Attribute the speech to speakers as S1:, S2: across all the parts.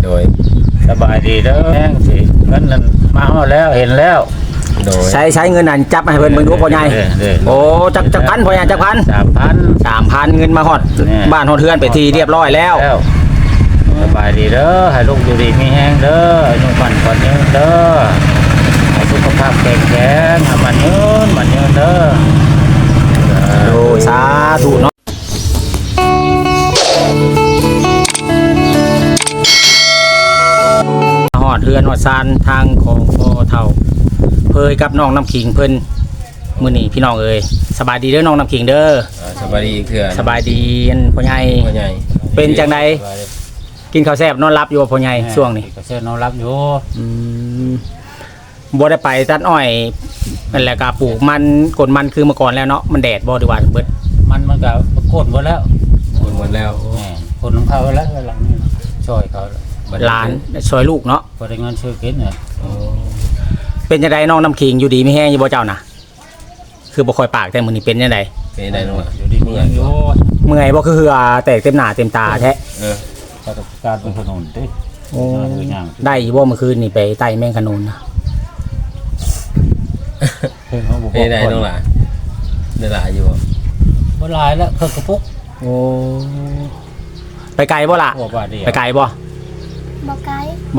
S1: โดย
S2: สบายดีเด้อแห้งสิเงินนั้นมาฮอดแล้วเห็นแล้ว
S1: โดย
S3: ใช้เงินนั่นจับให้เพิ่นเบิ่งดูพ่อใหญ่โอ้จักพันพ่อใหญ่จักพัน 3,000เงินมาฮอดบ้านฮอดเฮือนไปทีเรียบร้อยแล้ว
S2: สบายดีเด้อให้ลูกอยู่ดีมีแห้งเด้ออายุมันก่อนยืนเด้อให้สุขภาพแข็งแรงให้มันยืนเด้อ
S3: โอ้สาธุเนาะฮอดเฮือนฮอดซานทางของพ่อเฒ่าเพยกับน้องน้ำขิงเพิ่นมื้อนี้พี่น้องเอ้ยสบายดีเด้อน้องน้ำขิงเด้อ
S1: สบายดีเถื่อน
S3: สบายดีพ่อใหญ่เป็นจังไดกินข้าวแซ่บนอนรับอยู่พ่อใหญ่ช่วงนี้
S2: ก็แซ่บนอนรับอยู่
S3: บ่ได้ไปตัดอ้อยนั่นแหละก็ปลูกมันกดมันคือเมื่อก่อนแล้วเนาะมันแดดบ่ดีว่าเบิด
S2: มันก็โค่นหมดแล้ว
S1: หมดแล้ว
S2: คนของเขาแล้วหลังนี้ช่วยเขา
S3: หลานช่วยลูกเนาะ
S2: บ่ได้เงินซื้อกินเนี่ย
S3: เป็นจังไดน้องน้ำขิงอยู่ดีไม่แห้งอยู่บ่เจ้าน่ะคือบ่ค่อยปากแต่มื้อนี้เป็นจังได
S1: เป็นได้น้อง
S2: อยู่ดีมีแห้งอยู่
S3: เมื่อยบ่คือแตกเต็มหน้าเต็มตาแท้
S2: การเป็นขนุนติ
S3: ได้อยู่บ่เมื่อคืนนี่ไปไต่แมงขนุนนะ
S1: เป็นได้น้องหล่ะได้หลายอยู่
S2: บ่หลายแล้วเพิ่นกระปุก
S3: โอ้ไปไกลบ่ล่ะไปไกลบ่
S4: บ่ไกล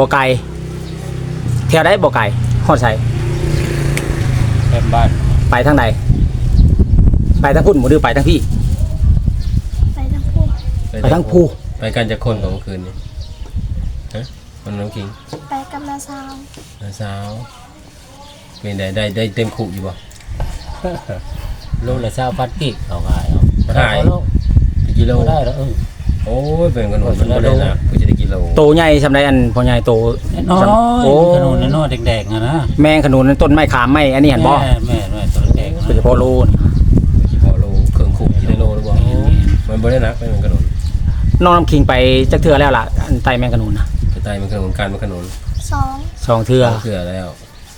S3: เที่ยวได้บ่ไกลฮอดไส
S2: เต็มบ้าน
S3: ไปทางใดไปทางพุ่นบ่หรือไปทางพี่
S4: ไปทางผู้
S3: ไปทางผู้
S1: ไปกันจะคนของคืนนี้ฮะคนน้องคิง
S4: ไปกับน้าสาว
S1: เป็นได้เต็มคุอยู่บ่
S2: โลละ20,000กิเขาขาย
S1: ขายกิโล
S2: ได้แล้ว
S1: โอ้ยเป็นขนมมันบ่ได้นะกูจะได้กิโล
S3: โตใหญ่ซำใดอันพ่อใหญ่โต
S2: น้อยโอ้ขนุนน้อยแดงๆนะ
S3: แมงขนุนต้นไม้ขามไม้อันนี้หั่นบ่
S2: แม่ต้นแดง
S3: คือพอโล
S1: เครื่องคุกิโลหรือบ่มันบ่ได้นักเป็นขนม
S3: น้องน้ำคิงไปจักเทื่อแล้วล่ะอันไต่แมงขนุนนะ
S1: ไต่แมงขนุนการแมงขนุน
S3: 2เทื่อ
S1: แล้ว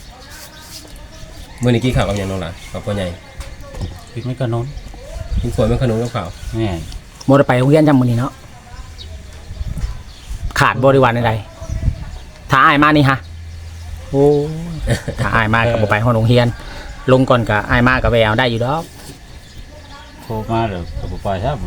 S1: มื้อนี้กินข้าวกับหยังน้องล่ะกับพ่อใหญ่
S2: กินแมงขนุน
S1: กินขวดแมงขนุนกับข้าว
S2: แม่
S3: บ่ได้ไปโรงเรียนจำมื้อนี้เนาะขาดบริวารใดๆถ้าอายมานี่ฮะโอ้ถ้าอายมาก็บ่ไปห้องโรงเรียนลงก่อนก็อายมาก็แววได้อยู่ดอก
S2: โทรมาเด้อก็บ่ไปครับ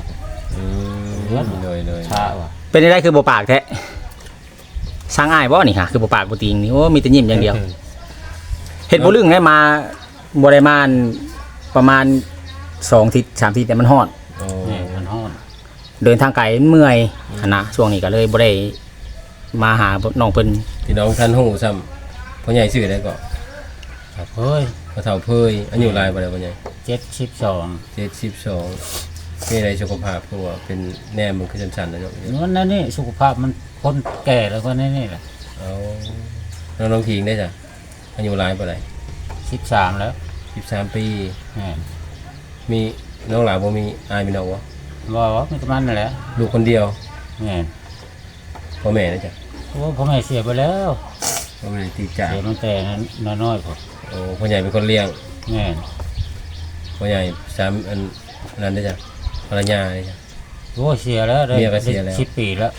S1: เลย
S2: ช้าว่ะ
S3: เป็นได้คือบ่ปากแท้สร้างอายบ่นี่ฮะคือบ่ปากบ่ติงนี่โอ้มีแต่ยิ้มอย่างเดียวเฮ็ดบ่ลึงได้มาบ่ได้มาประมาณ2 ทิศ 3 ทิศแต่มันฮ้อน
S2: มันฮ้อน
S3: เดินทางไกลเมื่อยนะช่วงนี้ก็เลยบ่ได้มาหาน้องเพิ่น
S1: พี่น้องท่านฮู้ซ้ำพ่อใหญ่ชื่อได้ก็
S2: เฮ้ย
S1: พ่อเฒ่าเพยอายุหลายบ่ได้พ่อใหญ่
S2: 72
S1: เป็นอะไรสุขภาพเพราะว่าเป็นแนมมันคือสั่นๆนะเนาะ
S2: นั่นนี่สุขภาพมันคนแก่แล้วก็นี่แหละ
S1: เอาน้องคิงได้จ้ะอายุหลายบ่ได้
S2: 13แล้ว
S1: 13ปีมีน้องหลานบ่มีอายมีน้องบ่
S2: มีประมาณนั่นแหละ
S1: ลูกคนเดียวพ่อแม่นะจ๊ะ
S2: พ่อแม่เสียไปแล้ว
S1: พ่อแม่ติดจาก
S2: เสียตั้งแต่น้อยๆพ่
S1: อใหญ่เป็นคนเลี้ยงพ่อใหญ่3อันนั้นได้จ้ะภรรยาได้จ้ะ
S2: เสียแล้วได้10 ปีแล้ว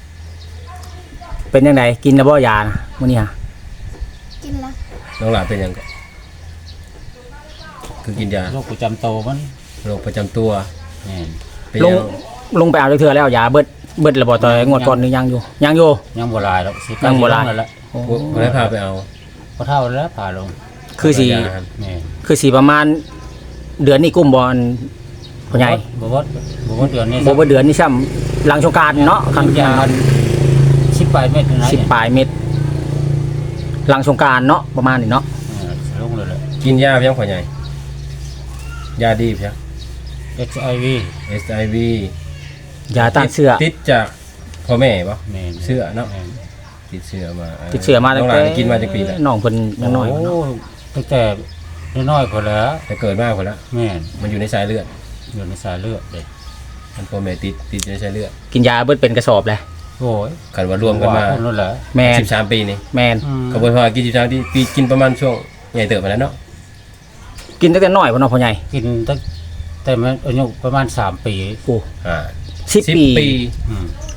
S3: เป็นยังไงกินแล้วบ่ยานะมื้อนี้ฮะ
S4: กินแล้ว
S1: น้องหลานเป็นยังคือกินยา
S2: โรคประจำตัวมัน
S1: โรคประจำตัว
S3: ลงไปเอาเทื่อแล้วยาเบิดระบ่ต่อยงวดก่อนนึงยัง
S2: บ่หลายแล้ว
S3: ยังบ่หลาย
S1: แล้วบ่ได้พาไปเอา
S2: บ่เท่าแล้วพาลง
S3: คือสิประมาณเดือนนี้กุมบ่พ่อใหญ่
S2: บ่เดือนนี้
S3: บ่เดือนนี้ซ้ำหลังสงกรานต์เนาะคัน
S2: มัน10 ปลายเม็ดนะ
S3: 10 ปลายเม็ดหลังสงกรานต์เนาะประมาณนี้เนาะ
S2: ลงเลยแหละ
S1: กินยาเพียงพ่อใหญ่ยาดีเพียง
S2: HIV
S3: ยาต้านเชื้อ
S1: ติดจากพ่อแม่ป่ะเชื้อเนาะติดเชื้อมา
S3: ตั้งแต่
S1: กินมาจากปีแล้ว
S3: น้องเพิ่นยังน้อย
S2: ตั้งแต่น้อยคนแล้ว
S1: แต่เกิดมากคนแล้วมันอยู่ในสายเลือด
S2: เด็ก
S1: มันพ่อแม่ติดในสายเลือด
S3: กินยาเบิดเป็นกระสอบเลย
S2: โอ้ย
S1: กันว่ารวมกันมา
S3: แม่
S1: 13 ปีนี่
S3: แม่
S1: กระบวนการกิน13 ปีกินประมาณช่วงใหญ่เติบมาแล้วเนาะ
S3: กินตั้งแต่น้อยพ่อน้องพ่อใหญ่
S2: กินตั้งแต่มันอายุประมาณ3 ปี
S3: โอ้10 ปี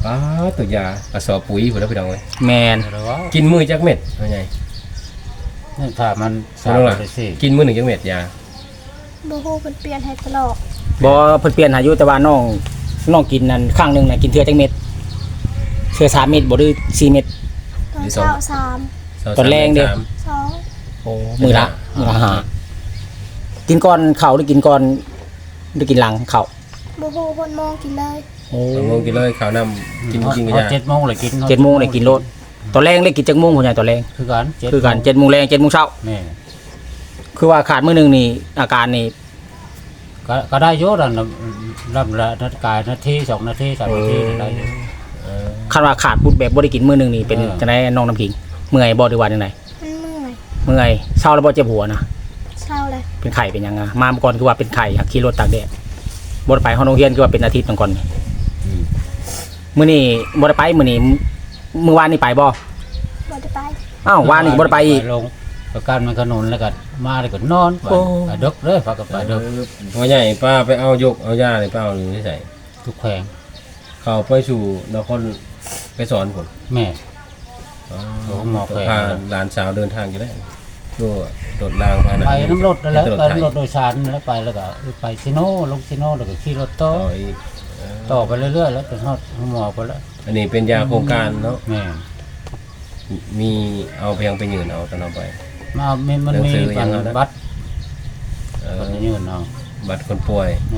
S1: ป้าตัวยากระสอบปุ๋ยพุ่นแล้วพี่น้องเอ้ย
S3: แมน
S2: หรือว่า
S1: กินมื้อจักเม็ดว่าไง
S2: นี่ถ้ามัน
S1: พี่น้องล่ะ
S2: ไปสิ
S1: กินมื้อหนึงจักเม็ดยา
S4: บ่ฮู้เพิ่นเปลี่ยนให้ตลอด
S3: บ่เพิ่นเปลี่ยนหาอยู่แต่ว่าน้องกินนั่นครั้งหนึงน่ะกินเทื่อจักเม็ดเทื่อ3เม็ดบ่หรือ4เม็ด
S4: ตอนเช้า3
S3: ตอนแรงเด้อ
S4: 2
S3: โอ้มื้อละห้ากินก่อนข้าวหรือกินก่อนหรือกินหลังข้าว
S4: บ่ฮู้เพิ่นมองกินเลย
S3: โอ้
S1: 2 โมงกินเลยข้าวน้ำกินกับยา
S2: 7 โมงเลยกิน
S3: 7 โมงได้กินโลดตอนแรงได้กินจักโมงพุ่นใหญ่ตอนแรง
S2: คือกัน
S3: คือกัน7 โมงแรง7 โมงเช้า
S2: แม่
S3: คือว่าขาดมื้อหนึงนี่อาการนี่
S2: ก็ได้เยอะแล้วนะลำละนาฬิกานาที2 นาที3 นาทีได้อยู่
S3: คันว่าขาดปุ๊บแบบบ่ได้กินมื้อหนึงนี่เป็นจังได๋น้องน้ำขิงเมื่อยบ่หรือว่าจังได
S4: มันเมื่อย
S3: เมื่อยเช้าแล้วบ่เจ็บหัวนะ
S4: เช้าเลย
S3: เป็นไข้เป็นหยังอ่ะมาเมื่อก่อนคือว่าเป็นไข้อยากขี่รถตากแดดบ่ได้ไปห้องโรงเรียนคือว่าเป็นอาทิตย์ก่อนนี่มื้อนี้บ่ได้ไปมื้อนี้มื้อวานนี่ไปบ่
S4: บ่ได้ไป
S3: อ้าววานนี่บ่ได้ไปอีก
S2: ลงประกันมันขนุนแล้วก็มาแล้วก็นอนไป
S3: โอ้
S2: ไปดึกเลยฝากกับไปดึก
S1: พ่อใหญ่ป้าไปเอายกเอายาเลยป้าเอานี่ใส่
S2: ทุกแขวง
S1: เข้าไปสู่นครไปสอนผม
S2: แม่
S1: อ๋อ
S2: โอ้หมอแขวน
S1: พาหลานสาวเดินทางอยู่แล้วก็โดดรางพา
S2: ไปน้ำรถนั่นแหล้ว
S1: ตลอด
S2: ไป
S1: ไทย
S2: น้ำรถโดยสารนั่นแหล้วไปแล้วก็ไปซิโน่ลงซิโน่แล้วก็ขี่รถต่อ
S1: ต่ออีก
S2: ต่อไปเรื่อยๆแล้วจนฮอดหมอไปแล้ว
S1: อันนี้เป็นยาโครงการเนาะ
S2: แม่
S1: มีเอาไปยังไปยืนเอาตอนเอาไป
S2: มัน
S1: หนัง
S2: มี
S1: สือยังเอานะ
S2: บัตร
S1: เอ่อ
S2: คนยืนเอา
S1: บัตรคนป่วย
S2: แม่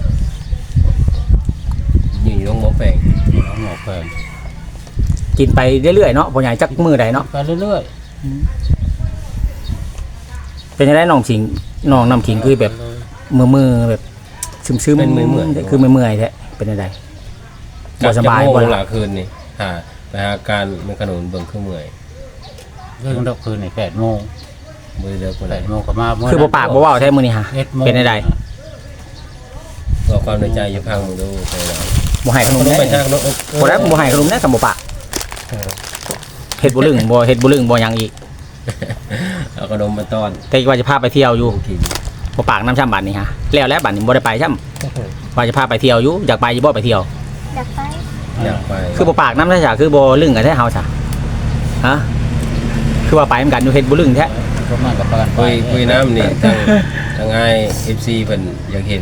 S1: ยืนอยู่โรงหมอแฝง
S2: เอาหมอแขวง
S3: กินไปเรื่อยๆเนาะบ่ใหญ่จักมื้อใดเนาะ
S2: ไปเรื่อย
S3: เป็นจังไดน้องขิงน้องน้ำขิงคือแบบมือๆแบบซึมๆ
S1: เป็นมือเหมือน
S3: คือเมื่อยๆแท้เป็นจังไดบ่สบาย
S1: บ่
S3: บ่
S1: ห
S3: ล่ะ
S1: ลาคืนนี่ไปหาการมันขนุนเบิ่งเครื่องเมื่อย
S2: ๆเรื่องดอกคืนนี่8 โมง
S1: มือเดียวคนไหน
S2: 8 โมงก็มาเมื่
S3: คือบ่ปากบ่เว้าแท้มื้อนี้ฮะ
S2: 11 โมง
S3: เป็นจังได
S1: บอกความในใจอยู่พังมึงดูไปแล้ว
S3: บ่ให้ขนม
S1: ต้อง
S3: ได้
S1: ไปจ้างรถ
S3: บ่ได้บ่ให้ขนมได้กับบ่ปากเฮ็ดบ่ลึงบ่เฮ็ดบ่ลึงบ่หยังอีก
S1: เอาขนมมาต้อน
S3: แต่ว่าจะพาไปเที่ยวอยู่
S1: กิน
S3: บ่ปากน้ำช่ำบัดนี่ฮะแล้วบัดนี้บ่ได้ไปช่ำว่าจะพาไปเที่ยวอยู่อยากไปอยู่บ่ไปเที่ยว
S4: อยากไป
S1: อยากไป
S3: คือบ่ปากน้ำซะจ้ะคือบ่ลึงกันแท้เฮาจ้ะฮะคือว่าไปเหมือนกันอยู่เฮ็ดบ่ลึงแท้
S2: ก็มากับประกันไป
S1: คุยน้ำนี่ทางไอFC เพิ่นอยากเห็น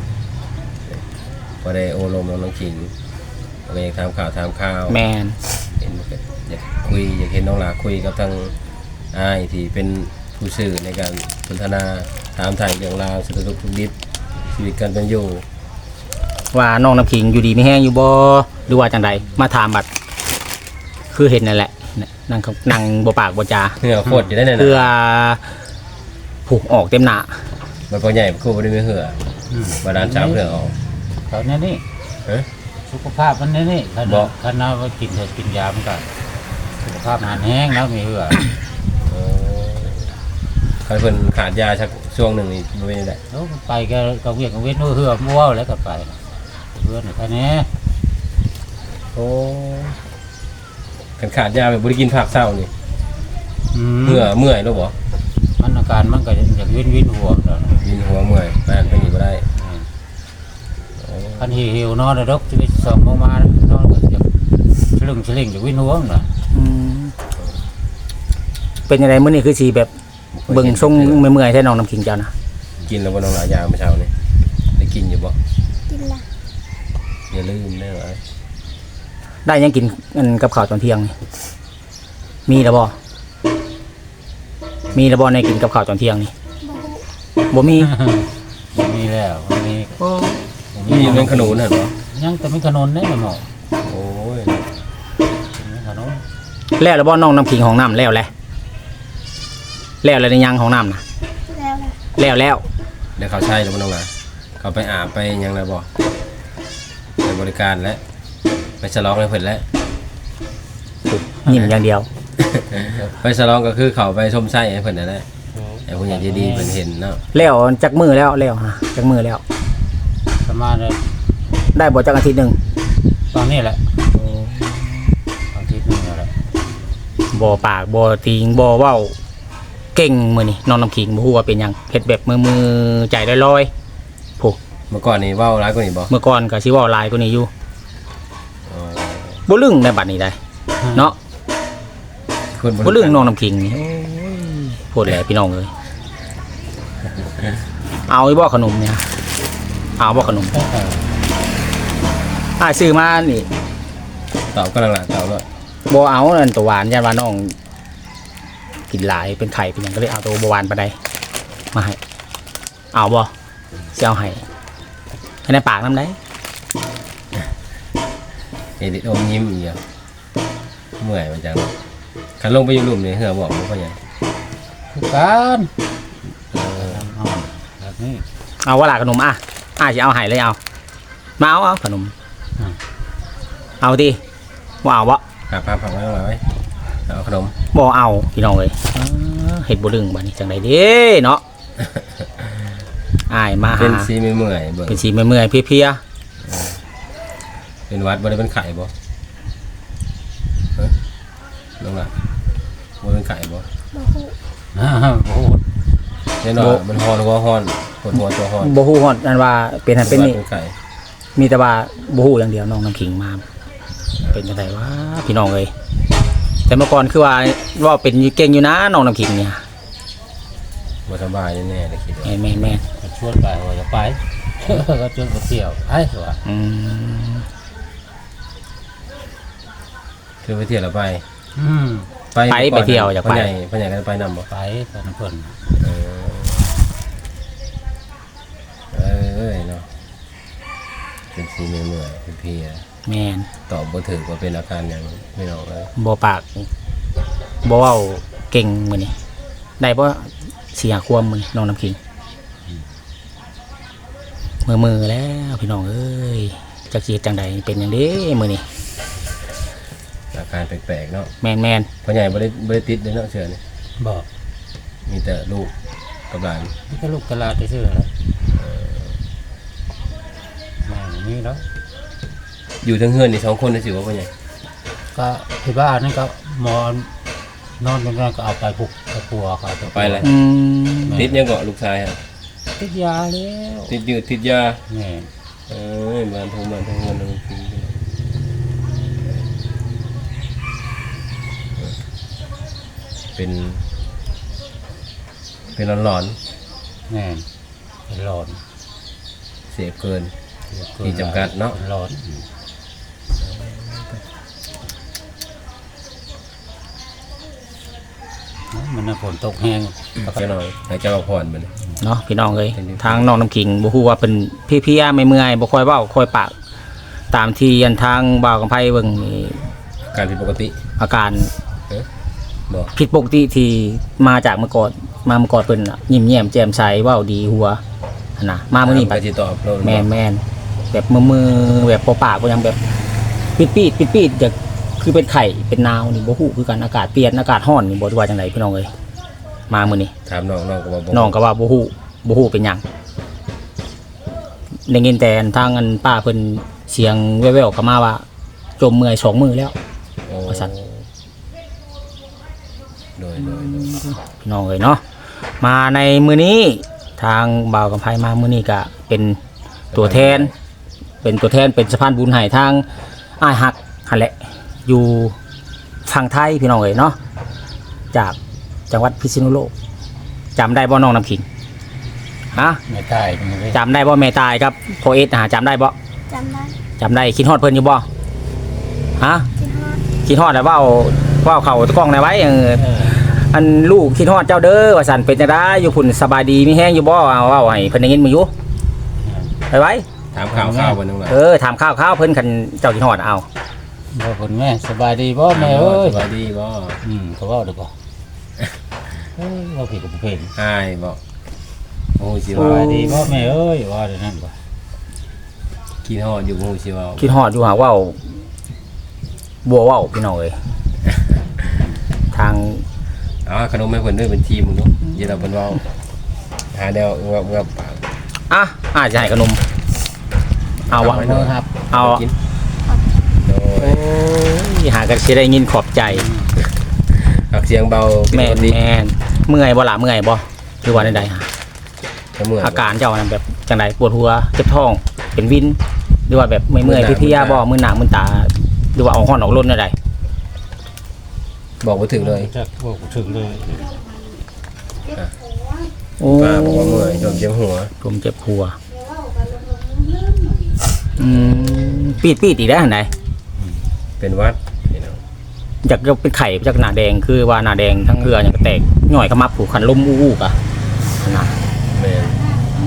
S1: บ่ได้โอลมน้องขิงก็อยากถามข่าว
S3: แม่น
S1: เห็นอยากคุยอยากเห็นน้องหลาคุยกับทางไอายที่เป็นผู้สื่อในการสนทนาถามถ่ายเรื่องราวสารทุกข์สุขดิบชีวิตการเป็นอยู่
S3: ว่าน้องน้ำขิงอยู่ดีไม่แห้งอยู่บ่หรือว่าจังใดมาถามบัดคือเห็นนั่นแหละนั่งบ่ปากบ่จา
S1: เหงื่อโคตรอยู่ได้เนี่ย
S3: เพื่อ
S1: นะ
S3: ผูกออกเต็มหน้า
S1: มันก็ใหญ่คู่บ่ได้ไม่เหือบ่ดานเช้าเหือออก
S2: เขาเนี่ยนี่
S1: เอ๊ะ
S2: สุขภาพมันเนี่ยนี่ข
S1: บ
S2: นา
S1: อ
S2: ด
S1: ก
S2: ขนาดว่ากินเถอะกินยามันก็สุขภาพหันแห้งแล้วมีเหือ
S1: ใครเพิ่นขาดยาชักช่วงหนึ่งนี่บ่เป็นได้
S2: แล้วไปก็เวียกก็เวียนเหือมั่วแล้วก็ไปเพื่อนแค่นี้
S1: โอ้กันขาดยาแบบบ่ได้กินผักเช้านี่
S2: เ
S1: เมื่อยแล้วบ่
S2: มันอาการมันก็อยากวินหัวแล้ว
S1: วินหัวเมื่อยไปนั่นไปนี่บ่ได้โอ้
S2: คันหิวนอนเลยดอกชีวิต2 โมงมานอนก็อยากฉลึงอยากวินหัวน่ะ
S3: เป็นจังไดมื้อนี้คือสิแบบเบิ่งทรงเมื่อยๆแท้น้องน้ำขิงเจ้านะ
S1: กินแล้วบ่น้องหลายยาเมื่อเช้านี่ได้กินอยู่บ่
S4: กินละ
S1: อย่าลืมเด้อ
S3: ได้ยังกินอันกับข้าวตอนเที่ยงนี่มีแล้วบ่ในกินกับข้าวตอนเที่ยงนี่
S4: บ่ฮู้
S3: บ่มี
S2: มีแล้วมี
S1: นี่เป็นขนุนเหรอ
S2: ยังแต่ไม่ขนนเนี่ยหมอ
S1: โอ้ย
S2: ขนน
S3: แล้วบ่น้องน้ำขิงของน้ำแล้วในยังของน้ำนะ
S4: แล้วละ
S3: แล้ว
S1: เดี๋ยวเขาใช่แล้วบ่น้องหลาเขาไปอาบไปหยังแล้วบ่ไปบริการแล้วไปฉลองให้เพิ่นแล้ว
S3: ยิ้มอย่างเดียว
S1: ไปฉลองก็คือเขาไปชมไส้ให้เพิ่นนั่นแหละไอ้ผู้ใหญ่ใจดีเพิ่นเห็นเนาะ
S3: แล้วจักมือแล้วฮะจักมือแล้ว
S2: ประมาณ
S3: ได้บ่จักอาทิตย์หนึง
S2: ตอนนี้แหละตอนที่นึงแหละ
S3: บ่ปากบ่ติงบ่เว้าเก่งมื้อนี้น้องน้ำขิงบ่ฮู้ว่าเป็นหยังเฮ็ดแบบมือใจลอยๆ
S1: เมื่อก่อนนี่เว้าร้ายกว่านี้บ่
S3: เมื่อก่อนก็สิเว้าหลายกว่านี้อยู่
S1: อ๋อ
S3: บ่ลึงในบัดนี้ได้เนาะ
S1: คน
S3: บ่ลึงน้องน้ำขิงนี่โอ้ยพูดแหละพี่น้องเอ้ยเอาอีบ่ขนมเนี่ยเอาบ่ขนมซื้อมานี่
S1: ตอบกำลังหลานตอบเลย
S3: บ่เอานั่นตัวหวานยันว่าน้องกินหลายเป็นไข่เป็นหยังก็เลยเอาตัวบ่หวานปานใดมาให้เอาบ่สิเอาให้ในปากนำได้
S1: เห็นอมยิ้มอีกอย่างเมื่อยมันจังขันลงไปอยู่หลุมนี่เหือบอกมันก็ยัง
S2: คือกันแบบนี้
S3: เอาว่าล่ะขนมสิเอาให้เลยเอามาเอาขนมเอาดิบ่เอาบ่
S1: ผักไว้ตรงไหนไว้เอาขนม
S3: บ่เอาพี่น้องเอ้ยเฮ็ดบ่ลึงบัดนี้จังได๋เด้เนาะอ้ายมาหา
S1: เป็นซีไม่เมื่อยเบิ่ง
S3: เป็นสิเมื่อยๆเพลีย
S1: เป็นวัดบ่ได้เป็นไข่บ่เฮ้ยลงละบ่เป็นไข่บ่
S4: บ่ฮู้
S2: โอ้โห
S1: แน่นอนมันฮอนก็ฮอนปวดหัวตัวฮอน
S3: บ่ฮู้ฮอดอันว่าเป็นหันเป็นนี่
S1: เป็นไข่
S3: มีแต่ว่าบ่ฮู้อย่างเดียวน้องน้ำขิงมาเป็นจังไดวะพี่น้องเอ้ยแต่เมื่อก่อนคือว่าเป็นเก่งอยู่นะน้องน้ำขิงเนี่ย
S1: บ่สบายแน่ๆเลยคิดว่า
S3: แม่น
S2: ก็ชวนไปว่าจะไป ก็ชวนไปเที่ยวไอ้ตัว
S1: คือไปเที่ยวแล้วไป
S3: ไปเที่ยวอยากไป
S1: พ่อใหญ่ก็ไปนำบ่
S2: ไปตอนเพิ่น
S1: เอ้ยเนาะเป็นซีไม่เมื่อยเป็นเพลีย
S3: แม่น
S1: ตอบบ่ถูกว่าเป็นอาการอย่างไม่ออกเลย
S3: บ่ปากบ่เว้าเก่งมื้อนี้ได้บ่สิหาความมื้อนี้น้องน้ำขิงมือแล้วพี่น้องเอ้ยจักสิเฮ็ดจังใดเป็นจังได๋มื้อนี้
S1: อาการแปลกๆเนาะ
S3: แม่น
S1: พ่อใหญ่บ่ได้ติดเลยเนาะเชื่อนี่
S2: บอก
S1: มีแต่ลูกกับหลาน
S2: นี่ก็ลูกตลาดที่ซื้อแล้วมาอย่างนี้แล้ว
S1: อยู่ทั้งเฮือนนี่2คนได้สิว่าพ่อใหญ่
S2: ก็ที่บ้านนั่นก็หมอนนอนกันก็เอาไปปลุกไปปัวเขา
S1: ไปเลย ติดยังเกาะลูกชายฮะ
S2: ติดยาแล้ว
S1: ติดยืดติดยา
S2: แม่
S1: บ้านทั้งเงินทั้งปีเป็นหลอน
S2: แม่เป็นหลอน
S1: ๆเสียเกิน มีจำกัดเนาะ
S2: หลอนมันน่ะฝนตกแห้ง
S1: เจ้าหน่อยให้เจ้าผ่อนมัน
S3: เนาะพี่น้องเอ้ยทางน้องน้ำขิงบ่ฮู้ว่าเป็นเพลียๆไม่เมื่อยบ่ค่อยเว้าค่อยปากตามที่อันทางบ่าวกำไผเบิ่งนี่
S1: การผิดปกติ
S3: อาการ
S1: บอก
S3: ผิดปกติที่มาจากเมื่อก่อนเพิ่นน่ะยิ้มแย้มแจ่มใสเว้าดีหัวหั่นน่ะมามื้อนี้
S1: ไป
S3: บัด
S1: ติดต่อเรา
S3: แม่นแบบมือแบบปอปากก็ยังแบบปีดจะคือเป็นไข่เป็นนาวนี่บ่ฮู้คือกันอากาศเปลี่ยนอากาศร้อนนี่บ่ว่าจังไดพี่น้องเอ้ยมามื้อนี้
S1: ถามน้องก็ว่า
S3: น้องก็ว่าบ่ฮู้เป็นหยังได้ยินแต่ทางอันป้าเพิ่นเสียงแว่วๆเข้ามาว่าจมเมื่อย2มื้อแล้ว ว่าซั่น
S1: โดย
S3: พี่น้องเอ้ยเนาะมาในมื้อนี้ทางบ่าวกำไผมามื้อนี้ก็เป็นตัวแทนเป็นสะพานบุญให้ทางอ้ายฮักหั่นแหละอยู่ฝั่งไทยพี่น้องเอ้ยเนาะจากจังหวัดพิษณุโลกจำได้บ่น้องน้ำขิงฮะ
S2: ไม่ตายเป็นไง
S3: จำได้บ่แม่ตายครับพ่อเอสจำได้บ่
S4: จำได้
S3: จำได้คิดฮอดเพิ่นอยู่บ่ฮะ
S4: คิดฮอด
S3: คิดฮอดแล้วเว้าเข้ากล้องได้ไว้อันลูกคิดฮอดเจ้าเด้อว่าซั่นเป็นจังได๋อยู่พุ่นสบายดีมีแฮงอยู่บ่เอาเว้าให้เพิ่นได้ยินมื้ออยู่ไปไว้
S1: ถามข่าววันนึงว่า
S3: ถามข้าวเพิ่นคันเจ้าคิดฮอดเอา
S2: บอกคุณแม่สบายดีบ่แม่เอ้ย
S1: สบายดีบ่
S2: เขาว่าเด้อบ่เราผิดกับผู้เป็น
S1: อ้ายบ่โอ้สิ
S2: ส
S1: ว่า
S2: บายดีบ่แม่เอ้ยว่าเดี๋ยวนั้นบ่
S1: กินฮอดอยู่บ่สิว่า
S3: คิดฮอดอยู่หาเว้าบัวเว้าพี่น้องเอ้ยทาง
S1: ขนมให้เพิ่นด้วยเป็นทีมมึงเนาะอย่าเราเพิ่นเว้าหาแนวงับปาก
S3: อาจจะให้ขนมเอาวะ
S1: เนาะครับ
S3: เอา
S1: กินโดย
S3: หากันสิได้ยินขอบใจ
S1: หักเสียงเบา
S3: แม่นเมื่อยบ่ล่ะเมื่อยบ่หรือว่าใดๆฮะ
S1: เมื่อย
S3: อาการเจ้านั้นแบบจังไดปวดหัวเจ็บท้องเป็นวินหรือว่าแบบเมื่อยๆเพลียๆบ่มึนหน้ามึนตาหรือว่าเอาฮ้อนออกล้นได้
S1: บอกบ่ถึงเลย
S2: จักบอกถึงเลย
S3: โอ้
S1: ป้าบอกว่าเมื่อยจนเจ็บหัว
S3: ลมเจ็บหัวปีดอีกได้วหั่นใด
S1: เป็นหวัดพี่น้อง
S3: จากจะเป็นไข่จากหน้าแดงคือว่าหน้าแดงทั้งเรืออย่างก็แตกหน่อยขมับผูกคันลมอู้ๆกะนะ
S1: แม่น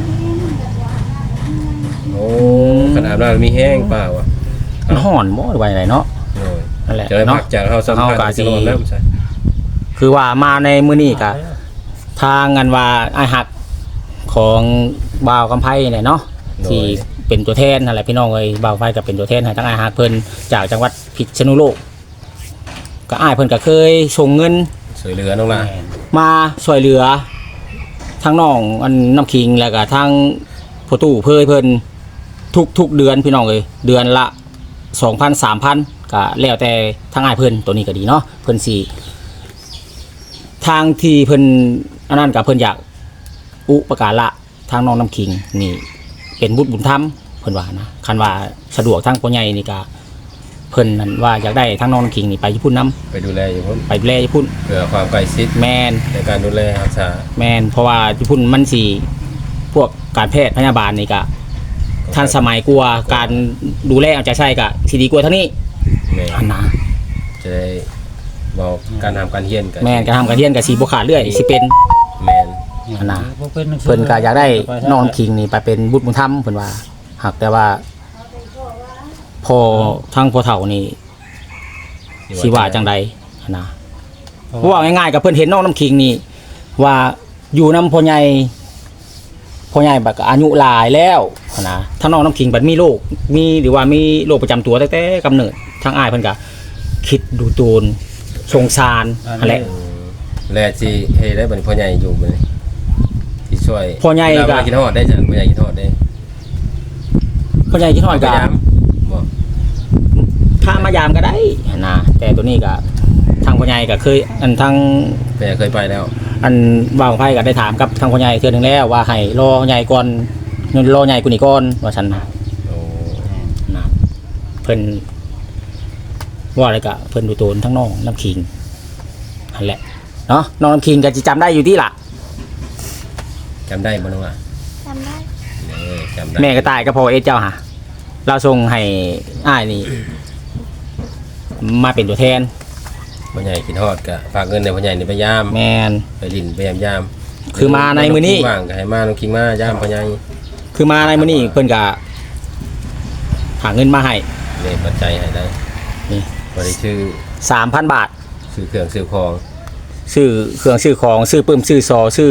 S1: โอ้ขนาดนั้นมีแห้งเปล่าวะ
S3: มันห่อนบ่หรือว่าอะไรเนาะ
S1: โอ้ย
S3: นั่นแหละ
S1: จะได้พั
S3: เนาะ
S1: กจากเฮาสัมภาษณ์
S3: เฮาก็สิ
S1: จะลดน้ำใช่
S3: คือว่ามาในมื้อนี้กะทางงานว่าอ้ายหักของบ่าวกำไพเนี่ยเนาะที่เป็นตัวแทนนั่นแหละพี่น้องเอ้ยบ่าวไฟก็เป็นตัวแทนให้ทั้งอ้ายหักเพิ่นจากจังหวัดพิษณุโลกก็อ้ายเพิ่นก็เคยส่งเงิน
S1: สวยเหลือน้องล่ะ
S3: มาช่วยเหลือทั้งน้องอันน้ำคิงแล้วก็ทั้งพ่อตู้เพิ่นทุกเดือนพี่น้องเอ้ยเดือนละ 2,000 3,000ก็แล้วแต่ทางอ้ายเพิ่นตัวนี้ก็ดีเนาะเพิ่นสิทางที่เพิ่นอันนั้นก็เพิ่นอยากอุปการะทางน้องน้ำคิงนี่เป็นบุตรบุญธรรมเพิ่นว่านะคันว่าสะดวกทางพ่อใหญ่นี่ก็เพิ่นนั่นว่าอยากได้ทางน้องน้ำคิงนี่ไปญี่ปุ่นนํ
S1: ไปดูแลอยู่พุ่น
S3: ไปดูแลญี่ปุ่น
S1: เพื่อความใกล้ชิด
S3: แมน
S1: ในการดูแลรักษา
S3: แมนเพราะว่าญี่ปุ่นมันสิพวกการแพทย์พยาบาลนี่ก็ทันสมัยกว่าการดูแลเอาใจใส่ก็สิดีกว่าเท่านี้
S1: แม่น
S3: อันนะ
S1: จะได้บอกการทำการเฮียนกัน
S3: แมนการทำการเรียนก็สิบ่ขาดเรื่อยสิเป็น
S1: แม่น
S3: อันน่ะ เพิ่นก็อยากได้น้องคิงนี่ไปเป็นบุตรบุญธรรมเพิ่นว่าหากแต่ว่าพอทางพ่อเฒ่านี่สิว่าจังใดอันนะเพราะว่าง่ายๆกับเพิ่นเห็นน้องน้ำคิงนี่ว่าอยู่นำพ่อใหญ่บัดก็อายุหลายแล้วอันนะถ้าน้องน้ำคิงบัดมีโรคมีหรือว่ามีโรคประจำตัวตั้งแต่กำเนิดทางอ้ายเพิ่นก็คิดดูโตนสงสารนั่นแหละ
S1: แลสิเฮ็ดได้บัดนี้พ่อใหญ่อยู่มื้อนี้ที่ช่วย
S3: พ่อใหญ่ก็
S1: เวลากินฮอดได้จ้ะพ่อใหญ่กินฮอดได้
S3: พ่อใหญ่คิดฮอด
S1: พ
S3: ก็
S1: ยายามบ่
S3: พามายามก็ได้นะแต่ตัวนี้ก็ทางพ่อใหญ่ก็เคยอันทาง
S1: แม่เคยไปแล้ว
S3: อันบ่าวไพ่ก็ได้ถามกับทางพ่อใหญ่เทื่อนึงแล้วว่าให้รอใหญ่ก่อนรอใหญ่กูนี่ก่อนว่าฉันนะ
S1: โอ้
S3: นะเพิ่นว่าอะไรก็เพิ่นดูโตนทั้งน้องน้ำคิงนั่นแหละเนาะน้องน้ำคิงก็จะจำได้อยู่ที่ล่ะ
S1: จำได้บ่น้องอ่ะ
S4: จำได้
S1: จำได้
S3: แม่ก็ตายก็พอเอเจ้าหะเราส่งให้อ้ายนี่มาเป็นตัวแทน
S1: พ่อใหญ่กินฮอดก็ฝากเงินในพ่อใหญ่นี่ไปยาม
S3: แมน
S1: ไปลิ้นไปยาม
S3: คือมาในมื้อนี้
S1: ว่างก็ให้มาน้องคิงมายามพ่อใหญ่
S3: คือมาในมื้อนี้เพิ่นก็หาเงินมาให้
S1: นี่ปัจจัยให้ได้
S3: นี่
S1: บ่ได้ชื่อ
S3: 3,000 บาท
S1: ซื้อเครื่องซื้อของ
S3: ซื้อเครื่องซื้อของซื้อปื้มซื้อซอซื้อ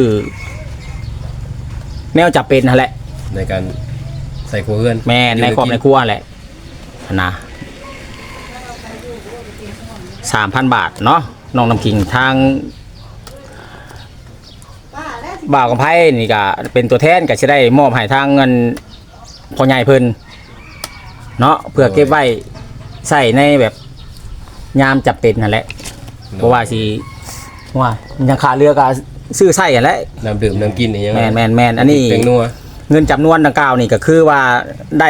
S3: แนวจับเป็นนั่นแหละ
S1: ในการใส่ครัวเรือน
S3: แม่ในครอบในครัวแหละนะ3,000 บาทเนาะน้องน้ำคิงทางบ่าวกับไพ่นี่ก็เป็นตัวแทนก็จะได้มอบให้ทางเงินพ่อใหญ่เพิ่นเนาะเพื่อเก็บไว้ใส่ในแบบยามจับเป็นนั่นแหละเพราะว่าสิว่ายังขาดเรือก็ซื้อใส่กันแหละ
S1: น้ำดื่มน้ำกินอีกอย่าง
S3: แมนอันนี้
S1: เป็นนัว
S3: เงินจำนวนดังกล่าวนี่ก็คือว่าได้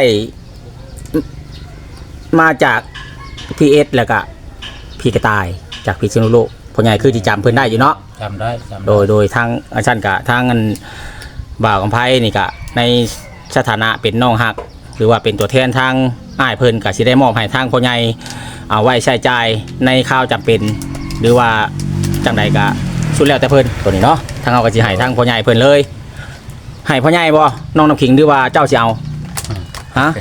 S3: มาจากพีเอสแล้วก็พี่กระต่ายจากพิษณุโลกพ่อใหญ่คือที่จำเพิ่นได้อยู่เนาะ
S2: จำได้จำได้
S3: โดยทางอาจารย์กะทางอันบ่าวกำไพนี่กะในสถานะเป็นน้องฮัก หรือว่าเป็นตัวแทนทางอ้ายเพิ่นกะสิได้มอบให้ทางพ่อใหญ่เอาไว้ใช้จ่ายในข้าวจำเป็น หรือว่าจังใดกะสุดแล้วแต่เพิ่นตัวนี้เนาะทางเอาก็สิให้ทางพ่อใหญ่เพิ่นเลยให้พ่อใหญ่บ่น้องน้ำขิงหรือว่าเจ้าสิเอาฮะ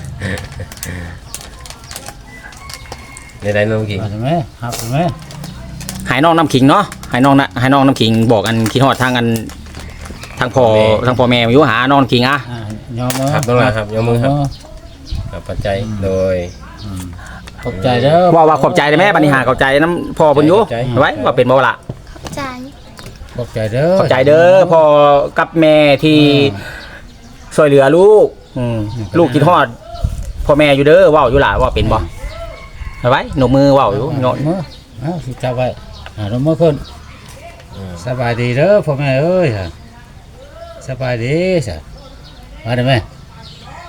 S1: ในไรน้องคิง
S2: เอาใช่ไหมครับใช่ไหม
S3: ให้น้องน้ำขิงเนาะให้น้องน้ำขิงบอกอันคิดฮอดทางอันทางพ่อแม่อยู่หาน้องน้ำขิงอ่ะ
S2: ยอมมือ
S1: ครับน้องลาครับยกมือครับกับปัจจัยโดย
S2: ขอบใจเด้อ
S3: ว่าขอบใจได้ไหมบัดนี้หาขอบใจน้ำพ่อเพิ่นอยู่
S1: ขอบใจ
S3: ไว้ว่าเป็นบ่ล่ะ
S4: ใจ
S2: ขอบใจเด้อ
S3: ขอบใจเด้อพ่อกับแม่ที่ช่วยเหลือลูกลูกคิดฮอดพ่อแม่อยู่เด้อเว้าอยู่ล่ะว่าเป็นบ่เอาไว้หนกมือเว้าอยู่โยน
S2: มือเอาสิจับไว้ลงมือขึ้นสบายดีเด้อพ่อแม่เอ้ยสบายดีจ้ะมาได้ไหม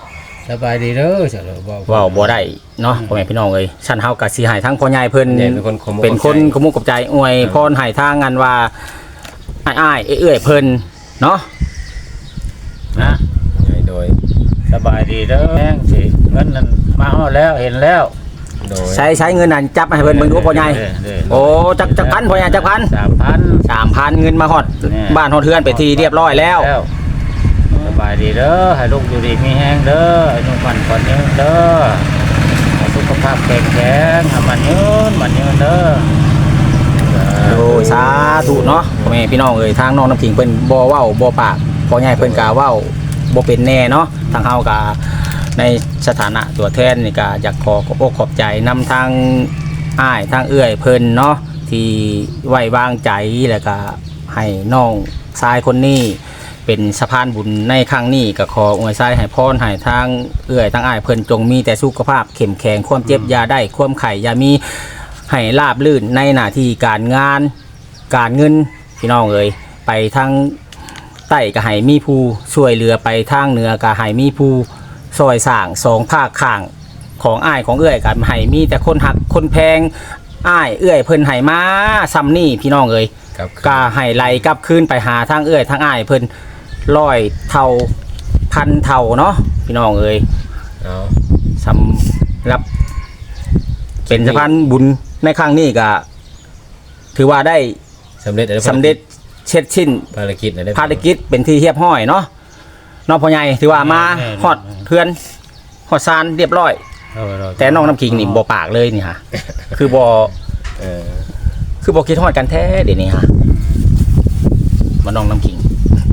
S2: สบายดีเด้อจ้ะบ่
S3: เว้าบ่ได้เนาะพ่อแม่พี่น้องเอ้ยฉันเฮาก็สิให้ทั้งพ่อใหญ่เพิ่น
S1: เนี่ยเป็นคนขโมย
S3: เป็นคนขมุกขอบใจอวยพรให้ทางงานว่าอ้ายๆเอื้อยๆเพิ่นเนาะ
S2: นะ
S1: โดย
S2: สบายดีเด้อแม่งสิเงินนั่นมาฮอดแล้วเห็นแล้ว
S1: โดย
S3: ใช้เงินนั่นจับให้เพิ่นเบิ่งดูพ่อใหญ่
S2: เด้อ
S3: โอ้จักพันพ่อใหญ่จักพัน
S2: 3,000
S3: 3,000เงินมาฮอด
S2: เนี่ย
S3: บ้านฮอดเฮือนไปที่เรียบร้อยแล้ว
S2: สบายดีเด้อให้ลูกอยู่ดีมีแห้งเด้อให้นุ่มฝันก่อนยืนเด้อให้สุขภาพแข็งแรงให้มันยืนเด้อ
S3: โอ้ยสาธุเนาะพ่อแม่พี่น้องเอ้ยทางน้องน้ำขิงเพิ่นบ่เว้าบ่ปากพ่อใหญ่เพิ่นก็เว้าบ่เป็นแน่เนาะทางเฮาก็ในสถานะตัวแทนนี่ก็อยากขบอกขอบใจนำทางอ้ายทางเอื้อยเพิ่นเนาะที่ไว้วางใจแล้วก็ให้น้องชายคนนี้เป็นสะพานบุญในครั้งนี้ก็ขออวยไส้ให้พรให้ทางเอื้อยทางอ้ายเพิ่นจงมีแต่สุขภาพเข้มแข็งความเจ็บอยาได้ความไข่อยามีให้ราบลื่นในหน้าที่การงานการเงินพี่น้องเอ้ยไปทางใต้ก็ให้มีผู้ช่วยเหลือไปทางเหนือก็ให้มีผู้ซอยสร้างสองภาคข้างของอ้ายของเอื้อยก็ให้มีแต่คนหักคนแพงอ้ายเอื้อยเพิ่นให้มาซ้ำนี่พี่น้องเอ้ย
S1: ครับ
S3: ก็ให้ไล่กลับคืนไปหาทางเอื้อยทางอ้ายเพิ่น100 เท่าพันเท่าเนาะพี่น้องเอ้ย
S1: เอา
S3: สำหรับเป็นสะพานบุญในครั้งนี้ก็ถือว่าได้
S1: สำเร็จแล้ว
S3: สำเร็จเช็ดชิ้น
S1: ภารกิจอะไร
S3: ภารกิจเป็นที่เรียบร้อยเนาะน้องพ่อใหญ่ถือว่ามาฮอดเพื่อนฮอดซานเรียบร้อย แต่น้องน้ำขิงนี่บ่ปากเลยนี่ฮะคือบ่
S1: เออ
S3: คือบ่คิดฮอดกันแท้เดี๋ยวนี้ฮะมาน้องน้ำขิง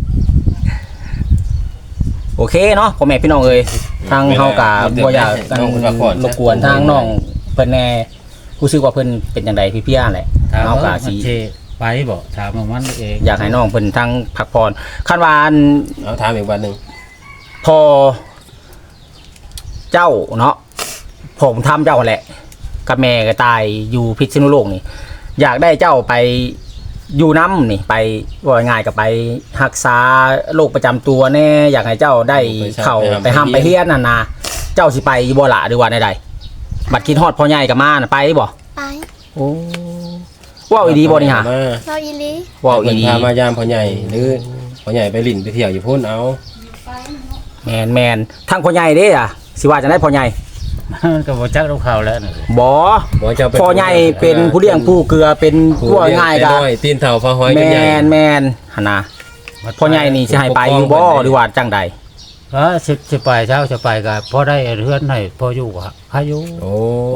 S3: โอเคเนาะพ่อแม่พี่น้องเอ้ยทางเฮาก็บ่อยากกันรบกวนทางน้องเพิ่นแน่รู้สึกว่าเพิ่นเป็นจังไดพี่เพี้ยแหละ
S2: เฮา
S3: เฮา
S2: ก็
S3: ก็
S2: สิ
S3: สิ
S2: ไปบ่ถามมันเอง
S3: อยากให้น้องเพิ่นทั้งพักผ่อนคันว่าอัน
S1: เอาถามอีกวันหนึ่ง
S3: พอเจ้าเนาะผมทำเจ้าแหละกับแม่ก็ตายอยู่พิษณุโลกนี่อยากได้เจ้าไปอยู่น้ำนี่ไปว่าง่ายกับไปรักษาโรคประจำตัวแน่อยากให้เจ้าได้เข้าไปห้ามไปเฮียนน่ะนะเจ้าสิไปบ่ล่ะหรือว่าใดๆบัดคิดฮอดพ่อใหญ่กับมาน่ะไปบ่
S4: ไป
S3: โอ้ว้าวอีดีบ่นี่ฮะ
S1: มา
S4: เราอีหลี
S3: ว้าวอี
S1: เพิ่น
S3: ดี
S1: พามายามพ่อใหญ่หรือพ่อใหญ่ไปลิ่นไปเที่ยวอยู่พุ่นเอา
S3: แมนทั้งพ่อใหญ่เด้อ่ะสิว่าจะได้พ่อใหญ่
S2: ก็บ่จักลูกเขาแล้ว
S3: บ่
S1: บอกเจ้าเป็น
S3: พ่อใหญ่เป็นผู้เลี้ยงผู้เกลือเป็น
S1: ผู้
S3: ผู้
S1: เลี้ย
S3: ง่าย
S1: แต่
S3: กัน
S1: น้อยตีนเท่าฟ้าห้อย
S3: แม
S1: กันใหญ่
S3: นแมนหั่นนะพ่อใหญ่นี่สิให้ไปอยู่บ่หรือว่าจังใด
S2: สิไปเช้าจะไปก็พอได้เฮือนให้พออยู่ก็ให้อยู่
S1: โอ้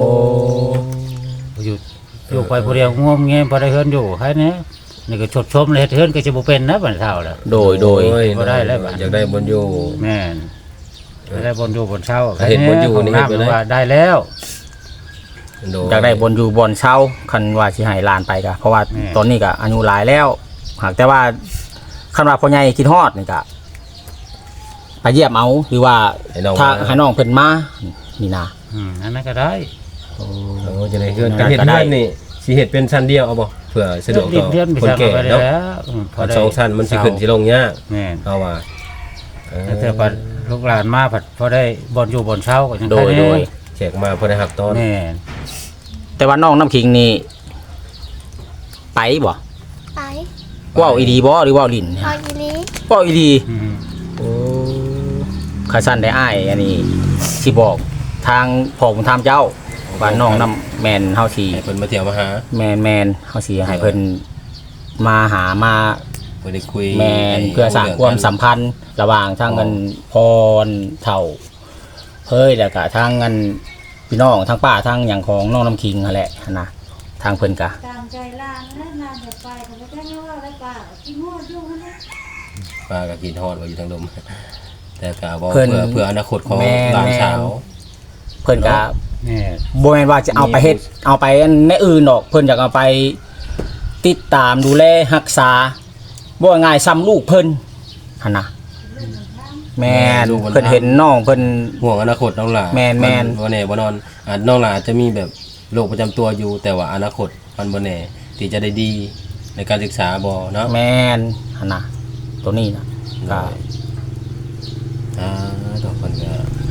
S2: อยู่ไปผู้เดียวงมเงี้ยพอได้เฮือนอยู่ให้นี้นี่ก็ชดชมเลยเฮือนก็จะบ่เป็นนะบัดเช้าแล้ว
S3: โดย
S1: บ่ได้แล้วอยากได้บนอยู่
S2: แม่นได้บนอยู่บนเช้า
S1: เห็นบนอยู่นี่
S2: ของ
S1: เห็นบ่ได้
S2: ำว่าได้แล้ว
S3: อยากได้บนอยู่บนเช่าคันว่าสิให้หลานไปก็เพราะว่าตอนนี้ก็อายุหลายแล้วหากแต่ว่าคันว่าพ่อใหญ่คิดฮอดนี่ก็ไปเยี่ยมเอาหรือว่า
S1: ให้น้อง
S3: ถ้า
S1: มา
S3: ให้น้องเพิ่นมานี่นะ
S2: อันนั้นก็ได้
S1: โอ้จะได้เฮือนกันเห็นเฮือนนี่สิเฮ็ดเป็นชั้นเดียวเอาบ่เพื่อสะดวกต่อ
S2: เรียนไป
S1: คน
S2: สร้าง
S1: แก่
S2: ไปได้
S1: เนาะ
S2: แล้วพอได้
S1: สองชั้นมันสิขึ้นสิลงยาก
S2: แม่น
S1: เอาว่า
S2: แต่เธอพัดลูกหลานมาผัดพอได้บนอยู่บนเช้าก็ยัง
S3: โดย
S2: แค่นี้
S1: แขกมาเพื่อได้หักต้น
S2: แม่น
S3: แต่ว่าน้องน้ำขิงนี่ไปบ่
S4: ไป
S3: ว้าวอีดีบ่หรือว้าวลิ้น
S4: เราอีหลี
S3: ว้าวอีดี
S2: อืม
S3: โอ้ข้าสั้นได้อ้ายอันนี้สิบอกทางพ่อผมทำเจ้าว่าน้องน้ำแมนเฮาสิ
S1: ให้เพิ่นมาเที่ยวมาหา
S3: แมนเฮาสิให้เพิ่นมาหามา
S1: เพื่อได้คุย
S3: แมนเพื่อสร้างความสัมพันธ์ระหว่างทางเงินพรเฒ่าเฮ้ยแล้วก็ทางเงินพี่น้องทางป้าทางหยังของน้องน้ำคิงนั่นแหละนะทางเพิ่นก็
S5: ตามใจล่างนะนานจะไปแต่ไม่ได้ว่าอะไรป่าที่งวดอยู่นะ
S1: ปลากับกินทอดไว้อยู่ทางลมแต่กะบอกเพื่ออนาคตของหลานสาว
S3: เพิ่นก็
S2: แม่น
S3: บ่แม่นว่าจะเอาไปเฮ็ดเอาไปอันในอื่นดอกเพิ่นอยากเอาไปติดตามดูแลรักษาบ่ง่ายซ้ำลูกเพิ่นหั่นน่ะแม่นเพิ่นเห็นน้องเพิ่น
S1: ห่วงอนาคตน้องหลาน
S3: แม่น
S1: บ่แน่บ่นอนน้องหลานอาจจะมีแบบโรคประจำตัวอยู่แต่ว่าอนาคตมันบ่แน่ที่จะได้ดีในการศึกษาบ่เนาะ
S3: แม่นหั่นน่ะตัวนี้น่ะก็
S1: ต่อคนก็ม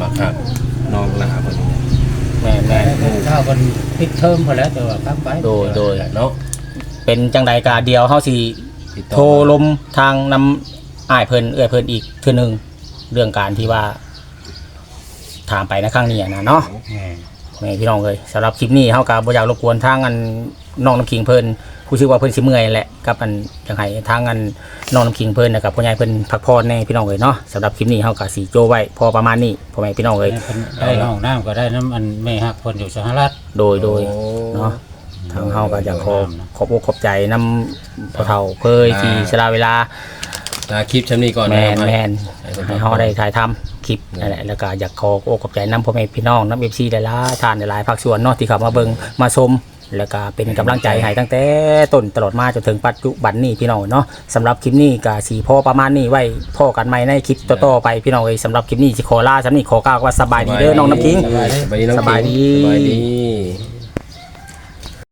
S1: มาคักน้องลาเพิ่นนี่
S3: แม่นแม่น
S2: ถ้าคนปิดเทอมพอแล้วแต่ว่าครับไป
S3: โดย
S1: เนาะ
S3: เป็นจังใดกาเดียวเฮาสิ
S1: ติดต่อ
S3: โทรลมทางนำอ้ายเพิ่นเอื้อยเพิ่นอีกเทื่อนึงเรื่องการที่ว่าถามไปในครั้งนี้นะเนาะแม่พี่น้องเอ้ยสำหรับคลิปนี้เฮาก็บ่อยากรบกวนทางอันน้องน้ำคิงเพิ่นผู้ชื่อว่าเพิ่นสิเมื่อยแหละกับอันจังไห้ทางอันน้องน้ำคิงเพิ่นนะครับพ่อใหญ่เพิ่นพักผ่อนแน่พี่น้องเอ้ยเนาะสำหรับคลิปนี้เฮาก็สิโจไว้พอประมาณนี้พ่อแม่พี่น้องเอ้ย
S2: ได้ห้องน้ำก็ได้น้ำอันแม่ฮักคนอยู่สหรัฐ
S3: โดยเนาะทางเฮาก็อยากขอบอกขอบใจนำพ่อเฒ่าเพิ่นที่สละเวลา
S1: คลิปชั้นนี้ก่อน
S3: แม
S1: นะ
S3: น
S1: ครับ
S3: แมนให้เขาได้ถ่ายทำคลิปนั่นแหละแล้วก็อยากขอโอ้ขอบใจน้ำพ่อแม่พี่น้องน้ำเอฟซีได้ละทานได้หลายภาคส่วนเนาะที่เขามาเบิ่งมาชมแล้วก็เป็นกำลังใจให้ตั้งแต่ต้นตลอดมาจนถึงปัจจุบันนี้พี่น้องเนาะสำหรับคลิปนี้ก็สีพ่อประมาณนี้ไว้พ่อกันใหม่ในคลิปต่อๆไปพี่น้องเอ้ยสำหรับคลิปนี้สิขอลาสำนี้ขอกล่าวว่าสบายดีเด้อน้องน้ำคิง
S1: สบายดีน้อง
S3: สบายดี
S1: สบายดี